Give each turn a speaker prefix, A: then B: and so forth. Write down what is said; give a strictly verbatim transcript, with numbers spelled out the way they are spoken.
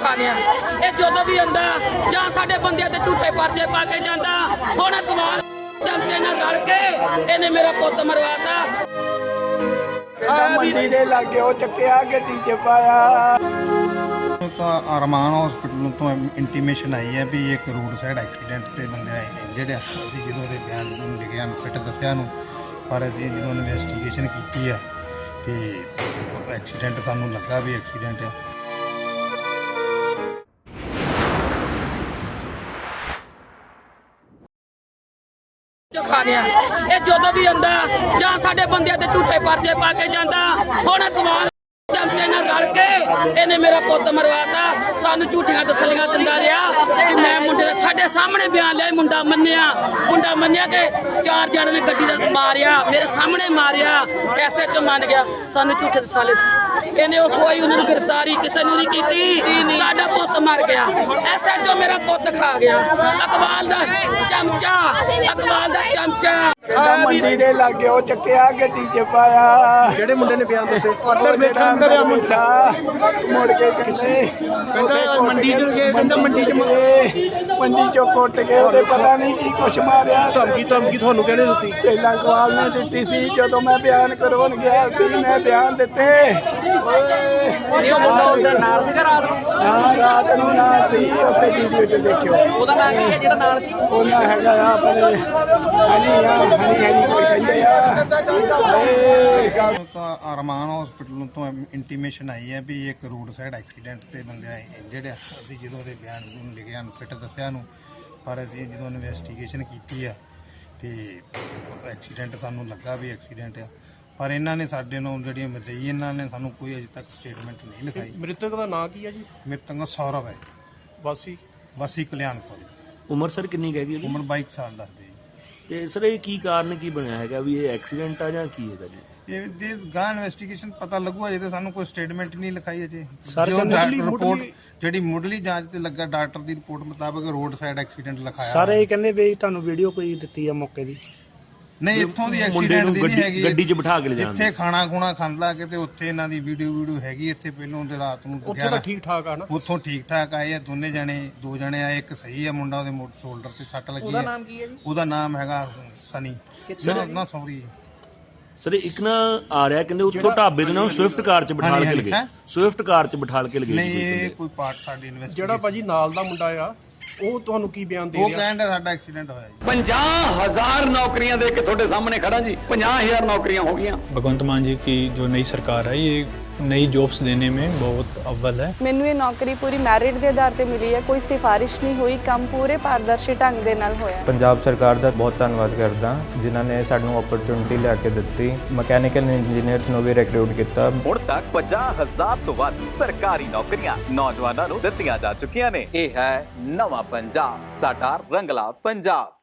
A: ਖਾਣਿਆ ਇਹ ਜਦੋਂ ਵੀ ਆਉਂਦਾ ਜਾਂ ਸਾਡੇ ਬੰਦਿਆਂ ਤੇ ਝੂਠੇ ਪਰਚੇ ਪਾ ਕੇ ਜਾਂਦਾ। ਹੁਣ ਕਮਾਲ ਚਮਚੇ ਨਾਲ ਰਲ ਕੇ ਇਹਨੇ ਮੇਰਾ ਪੁੱਤ ਮਰਵਾਤਾ।
B: ਮੰਡੀ ਦੇ ਲਾਗੇ ਉਹ ਚੱਕਿਆ ਗੱਡੀ 'ਚ ਪਾਇਆ।
C: ਅਰਮਾਨ ਹਸਪੀਟਲ ਤੋਂ ਇੰਟੀਮੇਸ਼ਨ ਆਈ ਹੈ ਵੀ ਇੱਕ ਰੋਡ ਸਾਈਡ ਐਕਸੀਡੈਂਟ ਤੇ ਬੰਦੇ ਆਏ ਜਿਹੜੇ ਅਸੀਂ ਜਦੋਂ ਦੇ ਬਿਆਨ ਨੂੰ ਲਿਖਿਆ ਨੂੰ ਫਿੱਟ ਦੱਸਿਆ ਨੂੰ ਪਰ ਅਸੀਂ ਜਦੋਂ ਇਨਵੈਸਟੀਗੇਸ਼ਨ ਕੀਤੀ ਆ ਤੇ ਐਕਸੀਡੈਂਟ ਸਾਨੂੰ ਲੱਗਾ ਵੀ ਐਕਸੀਡੈਂਟ ਆ।
A: ਖਾਣਿਆ ਇਹ ਜਦੋਂ ਵੀ ਆਉਂਦਾ ਜਾਂ ਸਾਡੇ ਬੰਦਿਆਂ ਤੇ ਝੂਠੇ ਪਰਚੇ ਪਾ ਕੇ ਜਾਂਦਾ। ਹੁਣ ਕਮਾਲ ਚਮਚੇ ਨਾਲ ਰਲ ਕੇ ਇਹਨੇ ਮੇਰਾ ਪੁੱਤ ਮਰਵਾਤਾ। ਸਾਨੂੰ ਝੂਠੀਆਂ ਤਸੱਲੀਆਂ ਦਿੰਦਾ ਰਿਹਾ ਕਿ ਮੈਂ ਮੁੰਡੇ ਦੇ ਸਾਡੇ ਸਾਹਮਣੇ ਬਿਆਨ ਲਿਆ। ਮੁੰਡਾ ਮੰਨਿਆ ਮੁੰਡਾ ਮੰਨਿਆ ਕਿ ਚਾਰ ਜਣੇ ਨੇ ਗੱਡੀ ਦਾ ਮਾਰਿਆ, ਮੇਰੇ ਸਾਹਮਣੇ ਮਾਰਿਆ। ਐਸੇ ਚ ਮੰਨ ਗਿਆ। ਸਾਨੂੰ ਝੂਠੇ ਤਸੱਲੀ ਇਹਨੇ ਉਹ ਕੋਈ ਉਹਨਾਂ ਨੂੰ ਗ੍ਰਿਫਤਾਰੀ ਕਿਸੇ ਨੂੰ ਨਹੀਂ ਕੀਤੀ। ਸਾਡਾ ਪੁੱਤ ਮਰ ਗਿਆ। ਐਸੇ ਚੋਂ ਮੇਰਾ ਪੁੱਤ ਖਾ ਗਿਆ। ਅਕਬਾਲ ਦਾ ਚਮਚਾ ਅਕਬਾਲ ਦਾ ਚਮਚਾ
B: ਮੰਡੀ ਦੇ ਲਾਗੇ ਉਹ ਚੱਕਿਆ ਗੱਡੀ 'ਚ ਪਾਇਆ।
D: ਜਿਹੜੇ ਮੁੰਡੇ ਨੇ ਬਿਆਨ ਦਿੱਤੇ
B: ਅੰਦਰ ਬੈਠਾ ਅੰਦਰ ਆ ਮੁੰਡਾ ਮੁੜ ਕੇ ਕਿਸੇ
D: ਕਹਿੰਦਾ ਮੰਡੀ 'ਚ ਗਏ ਕਹਿੰਦਾ ਮੰਡੀ 'ਚ
B: ਮੰਡੀ 'ਚੋਂ ਕੁੱਟ ਕੇ ਉਹਦੇ ਪਤਾ ਨਹੀਂ ਕੀ ਕੁਛ ਮਾਰਿਆ।
D: ਧਮਕੀ ਧਮਕੀ ਤੁਹਾਨੂੰ ਕਿਹਨੇ ਦਿੱਤੀ?
B: ਪਹਿਲਾਂ ਕਵਾਲ ਨੇ ਦਿੱਤੀ ਸੀ ਜਦੋਂ ਮੈਂ ਬਿਆਨ ਕਰਵਾਉਣ ਗਿਆ ਸੀ। ਮੈਂ ਬਿਆਨ ਦਿੱਤੇ
D: ਨਹੀਂ ਉਹ ਮੁੰਡਾ ਉਹਦਾ ਨਾਲ ਸੀਗਾ ਰਾਤ ਨੂੰ?
B: ਹਾਂ ਰਾਤ ਨੂੰ ਨਾ ਸੀ। ਉੱਥੇ ਵੀਡੀਓ 'ਚ ਦੇਖਿਓ।
D: ਉਹਦਾ ਨਾਂ ਕੀ ਹੈ ਜਿਹੜਾ ਨਾਲ ਸੀ?
B: ਉਹਨਾਂ ਹੈਗਾ ਆ ਆਪਣੇ ਹਨੀ ਆ ਹਨੀ ਹਨੀ ਕੋਈ ਕਹਿੰਦੇ ਆ।
C: ਅਰਮਾਨ ਹਸਪੀਟਲ ਤੋਂ ਇੰਟੀਮੇਸ਼ਨ ਆਈ ਹੈ ਵੀ ਇੱਕ ਰੋਡ ਸਾਈਡ ਐਕਸੀਡੈਂਟ ਤੇ ਬੰਦੇ ਆਏ ਜਿਹੜੇ ਅਸੀਂ ਜਦੋਂ ਦੇ ਬਿਆਨ ਨੂੰ ਲਿਖਿਆ ਨੂੰ ਫਿੱਟ ਦੱਸਿਆ ਨੂੰ ਪਰ ਅਸੀਂ ਜਦੋਂ ਇਨਵੈਸਟੀਗੇਸ਼ਨ ਕੀਤੀ ਆ ਤੇ ਐਕਸੀਡੈਂਟ ਸਾਨੂੰ ਲੱਗਾ ਵੀ ਐਕਸੀਡੈਂਟ ਆ। ਪਰ ਇਹਨਾਂ ਨੇ ਸਾਡੇ ਨੂੰ ਜਿਹੜੀਆਂ ਮਦਈ ਇਹਨਾਂ ਨੇ ਸਾਨੂੰ ਕੋਈ ਅਜੇ ਤੱਕ ਸਟੇਟਮੈਂਟ ਨਹੀਂ ਲਿਖਾਈ।
D: ਮ੍ਰਿਤਕ ਦਾ ਨਾਂ ਕੀ ਹੈ ਜੀ?
C: ਮ੍ਰਿਤਕ ਦਾ ਸੌਰਵ ਹੈ,
D: ਵਾਸੀ
C: ਵਾਸੀ ਕਲਿਆਣਪੁਰ।
E: ਉਮਰ ਸਰ ਕਿੰਨੀ ਹੈਗੀ ਉਹਦੀ?
C: ਉਮਰ ਬਾਈ ਸਾਲ ਦੱਸਦੇ ਜੀ।
E: ਤੇ ਸਰ ਇਹ ਕੀ ਕਾਰਨ ਕੀ ਬਣਿਆ ਹੈਗਾ ਵੀ ਇਹ ਐਕਸੀਡੈਂਟ ਆ ਜਾਂ ਕੀ ਹੈਗਾ ਜੀ?
C: ਇਹ ਦੇ ਗਾਂ ਇਨਵੈਸਟੀਗੇਸ਼ਨ ਪਤਾ ਲੱਗੂ। ਅਜੇ ਤੇ ਸਾਨੂੰ ਕੋਈ ਸਟੇਟਮੈਂਟ ਨਹੀਂ ਲਿਖਾਈ ਅਜੇ।
E: ਸਰ,
C: ਜੋ
D: ਮੁੱਢਲੀ-
C: ਰਿਪੋਰਟ ਜਿਹੜੀ ਮੁੱਢਲੀ ਜਾਂਚ ਤੇ ਲੱਗਾ ਡਾਕਟਰ ਦੀ ਰਿਪੋਰਟ ਮੁਤਾਬਕ ਰੋਡ ਸਾਈਡ ਐਕਸੀਡੈਂਟ ਲਿਖਾਇਆ।
F: ਸਾਰੇ ਕਹਿੰਦੇ ਵੀ ਤੁਹਾਨੂੰ ਵੀਡੀਓ ਕੋਈ ਦਿੱਤੀ ਆ ਮੌਕੇ ਦੀ?
C: ਨਹੀਂ ਇੱਥੋਂ ਦੀ
E: ਮੁੰਡੇ
C: ਐਕਸੀਡੈਂਟ
E: ਨੂੰ
C: ਦੀ ਨਹੀਂ
E: ਗੱਡੀ
C: ਹੈਗੀ।
E: ਗੱਡੀ 'ਚ ਬਿਠਾ ਕੇ ਲੈ ਜਾਂਦੇ
C: ਇੱਥੇ ਖਾਣਾ ਖੁਣਾ ਖਾਂਦਾ ਕਿ ਤੇ ਉੱਥੇ ਇਹਨਾਂ ਦੀ ਵੀਡੀਓ ਵੀਡੀਓ ਹੈਗੀ। ਇੱਥੇ ਪਹਿਲੋਂ ਤੇ ਰਾਤ ਨੂੰ
D: ਉੱਥੇ ਤਾਂ ਠੀਕ ਠਾਕ ਆ ਨਾ?
C: ਉੱਥੋਂ ਠੀਕ ਠਾਕ ਆਏ ਆ ਦੋਨੇ ਜਣੇ ਦੋ ਜਣੇ ਆਏ। ਇੱਕ ਸਹੀ ਆ ਮੁੰਡਾ, ਉਹਦੇ ਮੋਟਰ ਸ਼ੋਲਡਰ ਤੇ ਸੱਟ ਲੱਗੀ
D: ਉਹਦਾ
C: ਹੈ।
D: ਨਾਮ ਕੀ ਹੈ ਜੀ?
C: ਉਹਦਾ ਨਾਮ ਹੈਗਾ ਸਨੀ।
E: ਸਰ
C: ਨਾ ਸੌਰੀ
E: ਸਰ ਇੱਕ ਨਾ ਆ ਰਿਹਾ ਕਹਿੰਦੇ ਉੱਥੋਂ ਢਾਬੇ ਦੇ ਨਾਲ ਸਵਿਫਟ ਕਾਰ 'ਚ ਬਿਠਾ ਕੇ ਲਗੇ। ਸਵਿਫਟ ਕਾਰ 'ਚ ਬਿਠਾ ਕੇ ਲਗੇ
C: ਨਹੀਂ ਇਹ ਕੋਈ ਪਾਰਟ ਸਾਡੀ ਇਨਵੈਸਟੀਗੇਸ਼ਨ
D: ਜਿਹੜਾ ਭਾਜੀ ਨਾਲ ਦਾ ਮੁੰਡਾ ਆ ਉਹ ਤੁਹਾਨੂੰ ਕੀ ਬਿਆਨ ਦੇ
C: ਉਹ
D: ਰਿਹਾ?
C: ਕਹਿੰਦਾ ਸਾਡਾ ਐਕਸੀਡੈਂਟ ਹੋਇਆ ਜੀ।
G: पचास हजार नौकरियां दे के थोड़े सामने खड़ा जी। पचास हजार नौकरियां हो गई।
H: भगवंत मान जी की जो नई सरकार है ये नई जॉब्स देने में बहुत अव्वल है।
I: ਮੈਨੂੰ ਇਹ ਨੌਕਰੀ ਪੂਰੀ ਮੈਰਿਟ ਦੇ ਆਧਾਰ ਤੇ ਮਿਲੀ ਹੈ। ਕੋਈ ਸਿਫਾਰਿਸ਼ ਨਹੀਂ ਹੋਈ। ਕੰਮ ਪੂਰੇ ਪਾਰਦਰਸ਼ੀ ਢੰਗ ਦੇ ਨਾਲ ਹੋਇਆ।
J: ਪੰਜਾਬ ਸਰਕਾਰ ਦਾ ਬਹੁਤ ਧੰਨਵਾਦ ਕਰਦਾ ਜਿਨ੍ਹਾਂ ਨੇ ਸਾਨੂੰ ਓਪਰਚੁਨਿਟੀ ਲਿਆ ਕੇ ਦਿੱਤੀ। ਮਕੈਨੀਕਲ ਇੰਜੀਨੀਅਰਸ ਨੂੰ ਵੀ ਰਿਕਰੂਟ ਕੀਤਾ।
G: ਹੁਣ ਤੱਕ पचास हजार ਤੋਂ ਵੱਧ ਸਰਕਾਰੀ ਨੌਕਰੀਆਂ ਨੌਜਵਾਨਾਂ ਨੂੰ ਦਿੱਤੀਆਂ ਜਾ ਚੁੱਕੀਆਂ ਨੇ। ਇਹ ਹੈ ਨਵਾਂ ਪੰਜਾਬ, ਸਾਡਾ ਰੰਗਲਾ ਪੰਜਾਬ।